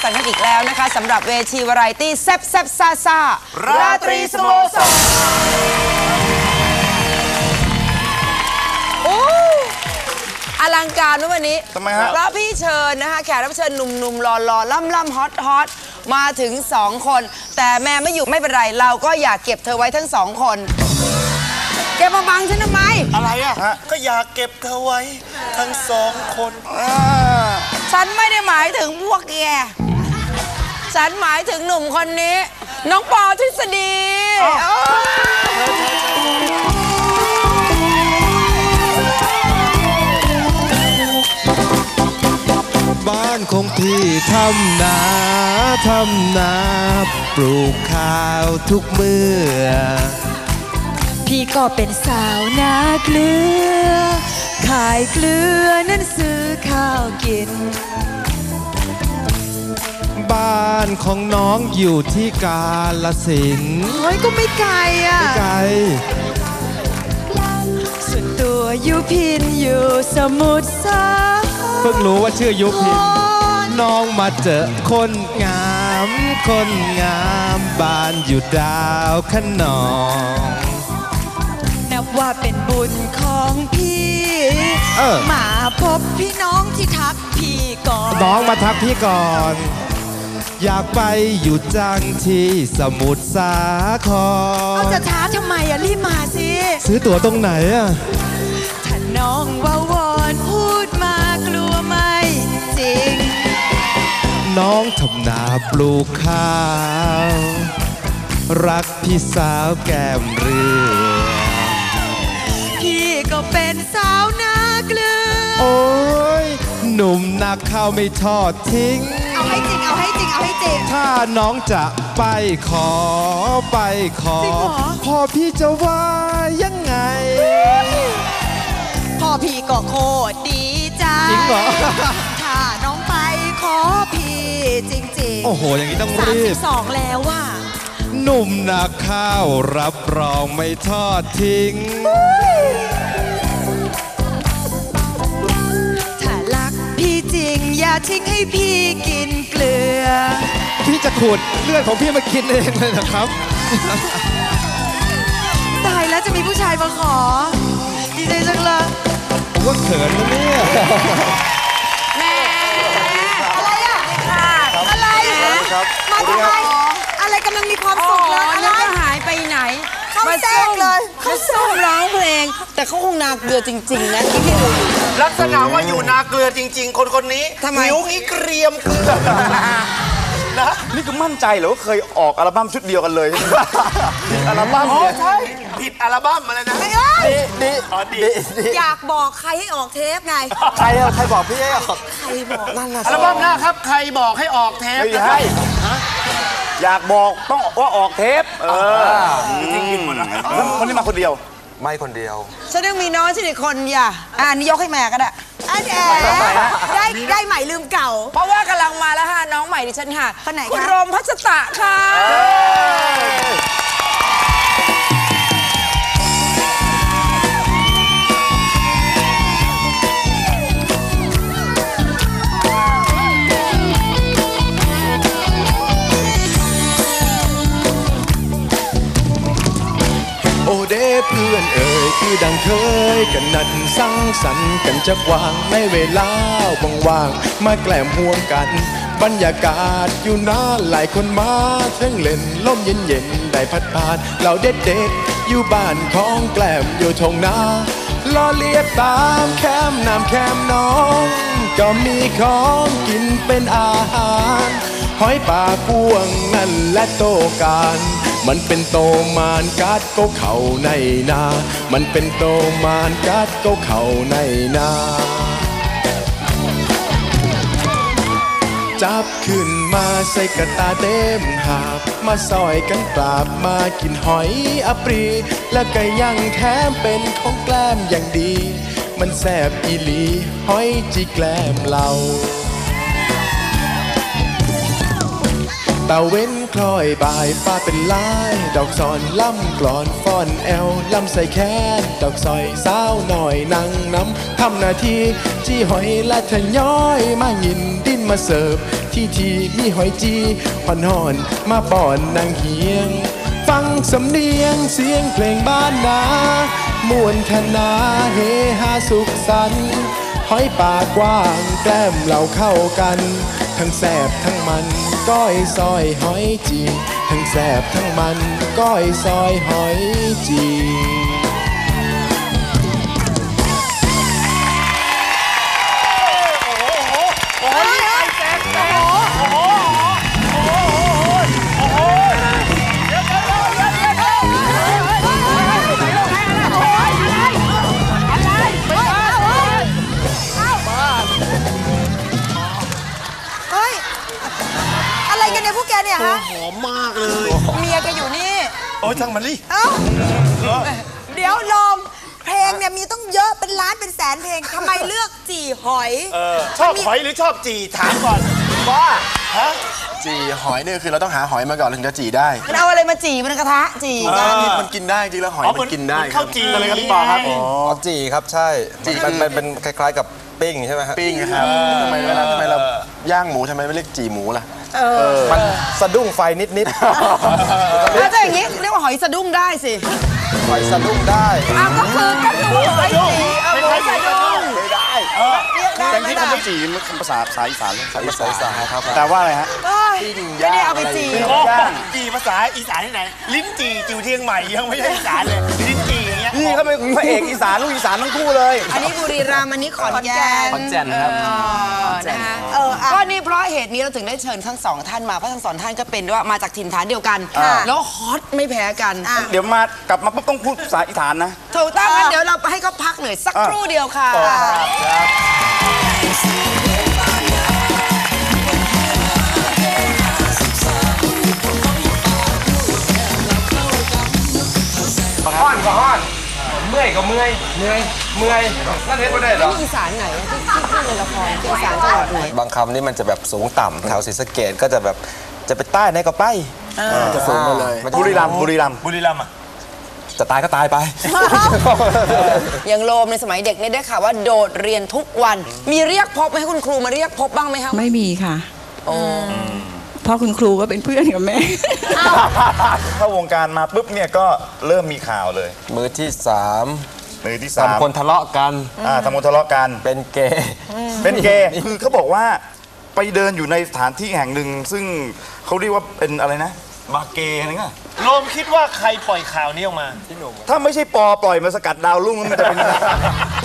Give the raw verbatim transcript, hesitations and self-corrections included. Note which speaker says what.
Speaker 1: กันกันอีกแล้วนะคะสำหรับเวทีวาไรตี้แซ่บแซ่บซ่าซ่าราตรีสโมสรโอ้อลังการนะวันนี้ทำไมฮะเพราะพี่เชิญนะคะแขกรับเชิญหนุ่มๆหล่อๆล่ำๆฮอตฮอตมาถึงสองคนแต่แม่ไม่อยู่ไม่เป็นไรเราก็อยากเก็บเธอไว้ทั้งสองคนแกมาบังฉันทำไม
Speaker 2: อะไรอ่ะก็อยากเก็บเธอไว้ทั้งสองคน
Speaker 1: ฉันไม่ได้หมายถึงพวกแกฉันหมายถึงหนุ่มคนนี้น้องปอทฤษฎี
Speaker 3: บ้านของพี่ทำนาทำนาปลูกข้าวทุกเมื่อ
Speaker 4: พี่ก็เป็นสาวนาเกลือขายเกลือนั้นซื้อข้าวกิน
Speaker 3: บ้านของน้องอยู่ที่กาฬสินธุ์
Speaker 4: โอ้ยก็ไม่ไกลอ่ะ
Speaker 3: ไม่ไกล
Speaker 4: ส่วนตัวอยู่พินอยู่สมุทรสาคร
Speaker 3: เพิ่งรู้ว่าชื่อยุพินน้องมาเจอคนงามคนงามบ้านอยู่ดาวขนอง
Speaker 4: นับว่าเป็นบุญของพี่มาพบพี่น้องที่ทักพี่ก่อน
Speaker 3: น้องมาทักพี่ก่อนอยากไปอยู่จังที่สมุทรสาคร
Speaker 4: เอาจะช้าทำไมอะรีบมาสิ
Speaker 3: ซื้อตั๋วตรงไหนอะ
Speaker 4: ถ้าน้องว่าวอนพูดมากลัวไม่จริง
Speaker 3: น้องทำนาปลูกข้าวรักพี่สาวแก้มเรือ
Speaker 4: พี่ก็เป็นสาวนาเกลือ
Speaker 3: โอ้ยหนุ่มนักข้าวไม่ทอดทิ้ง
Speaker 4: เอาให้จริงเอาให้จริงเอาให้จริง
Speaker 3: ถ้าน้องจะไปขอไปขอพ่อพี่จะว่ายังไง
Speaker 4: พ่อพี่ก็โคตรดีใจ
Speaker 3: จริงเหรอ
Speaker 4: ถ้าน้องไปขอพี่จริงๆ
Speaker 3: โอ้โหอย่างนี้ต้องรีบ
Speaker 4: สามสิบสองแล้วว่ะ
Speaker 3: หนุ่มนาข้าวรับรองไม่ทอดทิ้ง
Speaker 4: ถ้ารักพี่จริงอย่าทิ้งให้พี่กินเกลือ
Speaker 3: พี่จะขูดเลือดของพี่มากินเองเลยนะครับ
Speaker 4: ตายแล้วจะมีผู้ชายมาขอดีใจจังเลย
Speaker 3: ว่าเขินนะเนี่ย
Speaker 4: แม่อะไรอ่ะค่ะอะไรมาทำไมอะไรกำลังมีความสุขเลย
Speaker 1: อะไรก็หายไปไหน
Speaker 4: เขาแทรกเลย
Speaker 1: เขาส้มร้องเพลงแต่เขาคงนาเกลือจริงๆนะที่พี่ดู
Speaker 2: ลักษณะว่าอยู่นาเกลือจริงๆคนคนนี้ผิวงี้เกรียมเกลือนะ
Speaker 5: นี่ก็มั่นใจเหรอว่าเคยออกอัลบั้มชุดเดียวกันเลยผิดอัลบั้ม
Speaker 2: อ๋อใช่ผิดอัลบั้มอะไรนะ
Speaker 5: ดีดี
Speaker 4: ดีอยากบอกใครให้ออกเทปไง
Speaker 5: ใครใครบอกพี่ให้ออก
Speaker 4: ใครบอกนั่นน่ะ
Speaker 2: อัลบั้มหน้าครับใครบอกให้ออกเทป
Speaker 5: ไม่ใช่อยากบอกต้องว่าออกเทปเออจริงจริงหมดนะคนนี้มาคนเดียวไม่คนเดียว
Speaker 1: ฉันยังมีน้องฉันอีกคนอย่าอ่านี่ยกให้แม่ก็ได้
Speaker 4: อันแอได้ได้ใหม่ลืมเก่า
Speaker 1: เพราะว่ากำลังมาแล้วค่ะน้องใหม่ดิฉันค่ะ
Speaker 4: คนไหนคะ
Speaker 1: คุณรมพัชตะค่ะ
Speaker 3: โอเด้เพื่อนเอ่ยคือดังเคยกันนัดสังสรรค์กันจักวางในเวลาว่างๆมาแกล้มห่วงกันบรรยากาศอยู่นานหลายคนมาเทั้งเล่นลมเย็นๆได้พัดผ่านเราเด็ดๆอยู่บ้านของแกล้มอยู่ทงนาล้อเลียดตามแคมน้ำแคมน้องก็มีของกินเป็นอาหารหอยป่าพวงนั่นและโตการมันเป็นโตมานกัดก็เข่าในนามันเป็นโตมานกัดก็เข่าในนาจับขึ้นมาใส่กระตาเต็มหาบมาซอยกันปราบมากินหอยอปรีและก็ยังแถมเป็นของแกล้มอย่างดีมันแซ่บอีหลีหอยจีแกล้มเราตาเว้นคล้อยบ่ายฟ้าเป็นลายดอกซอนล่ำกลอนฟ้อนแอวล่ำใส่แค้นดอกซอยสาวหน่อยนั่งน้ำทำหน้าที่จี้หอยและทะย้อยมาหยินดิ้นมาเสิร์ฟที่ทีมีหอยจีห่อนห่อนมาป้อนนางเฮียงฟังสำเนียงเสียงเพลงบ้านนามวนคณาเฮฮาสุขสันต์หอยปากกว้างแกล้มเราเข้ากันทั้งแสบทั้งมันก้อยซอยหอยจีทั้งแสบทั้งมันก้อยซอยหอยจี
Speaker 4: เนี่ยฮะ
Speaker 2: หอมมากเลย
Speaker 1: เมียแกอยู่นี่
Speaker 2: โอ้ยช่างมันดิ
Speaker 4: เอ้าเดี๋ยวลมเพลงเนี่ยมีต้องเยอะเป็นล้านเป็นแสนเพลงทำไมเลือกจี่หอย
Speaker 2: ชอบหอยหรือชอบจีถามก่อนว่าฮะ
Speaker 3: จีหอยเนี่ยคือเราต้องหาหอยมาก่อนถึงจะจีได้
Speaker 1: มันเอาอะไรมาจีมันกระทะจีกัน
Speaker 3: นี่มันกินได้จริงแล้วหอยมันกินได้
Speaker 2: ข้าวจีอะไรครับพี่ปอครับ
Speaker 5: อ๋อจีครับใช่จีมันมันเป็นคล้ายๆกับปิ้งใช่ไหมครับ
Speaker 3: ปิ้งนะครับทำไมเวลาทำไมเราย่างหมูทำไมไม่เรียกจีหมูล่ะ
Speaker 5: มันสะดุ้งไฟนิด
Speaker 1: แล้วถ้าอย่างนี้เรียกว่าหอยสะดุ้งได้สิ
Speaker 5: ๆไฟสะดุ้งได้
Speaker 1: อ้าวก็คือก็คือหอยจีเอาหอยสะดุ้ง
Speaker 3: ไม่ได้
Speaker 1: เรียกได้
Speaker 5: แต่
Speaker 1: ไหม
Speaker 5: ที่
Speaker 1: ล่ะ
Speaker 5: คำว่าจีมันภาษาสายอีสานเลย
Speaker 3: ภาษาอีสานครับ
Speaker 5: แต่ว่าอะไรฮะ
Speaker 1: เอ้ยไม่ได้เอาไปจี
Speaker 2: โอ้จีภาษาอีสานที่ไหน ลิ้นจีจิวเทียงใหม่ยังไม่ใช่อีสานเลย ลิ้นจีอย่างเงี้ย
Speaker 5: นี่เขาเป็นพระเอกอีสานลูกอีสานทั้งคู่เลย
Speaker 1: อันนี้บุรีรัมย์อันนี้ขอนแก่น
Speaker 3: ขอนแก่นครับ
Speaker 1: เออนะคะเออก็นี่เพราะเหตุนี้เราถึงได้เชิญทั้งสองท่านมาเพราะทั้งสองท่านก็เป็นว่ามาจากถิ่นฐานเดียวกัน แล้วฮอตไม่แพ้กัน
Speaker 5: เดี๋ยวมากลับมาปุ๊บต้องพูดภาษาอีสานนะ
Speaker 1: ถูกต้องงั้นเดี๋ยวเราให้เขาพักหน่อยสักครู่เดียวค่ะ
Speaker 6: ห้อนก็ห้อนเมื่อยก็เมื่อยเมื่อยเมื่อยนั่นเห็นไม่ได้หรอ
Speaker 1: อีสานไหนที่ที่พูดในละครที่อีสานจังหวัดไหน
Speaker 5: บางคำนี่มันจะแบบสูงต่ำแถวศรีสะเกษก็จะแบบจะไปใต้ไหนก็ไปจะสูงมาเลยบุรีรัมย์บุรีรัมย์
Speaker 2: บุรีรัมย์อ่ะ
Speaker 5: จะตายก็ตายไป
Speaker 1: อย่างโลมในสมัยเด็กเนี่ยได้ข่าวว่าโดดเรียนทุกวัน มีเรียกพบไหมให้คุณครูมาเรียกพบบ้างไหมคะ
Speaker 7: ไม่มีค่ะเพราะคุณครูก็เป็นเพื่อนกับแม่
Speaker 5: เข้าวงการมาปุ๊บเนี่ยก็เริ่มมีข่าวเลย
Speaker 6: มือที่สาม
Speaker 5: มือที่สาม
Speaker 6: ทำคนทะเลาะกัน
Speaker 5: อ่าทำคนทะเลาะกัน
Speaker 6: เป็นเกย์
Speaker 5: เป็นเกย์คือเขาบอกว่าไปเดินอยู่ในสถานที่แห่งหนึ่งซึ่งเขาเรียกว่าเป็นอะไรนะบาร์เกย์อะไรเงี้ย
Speaker 2: โรมคิดว่าใครปล่อยข่าวนี้ออกมา
Speaker 5: ถ้าไม่ใช่ปอปล่อยมาสกัดดาวรุ่งมันจะเป็นยังไง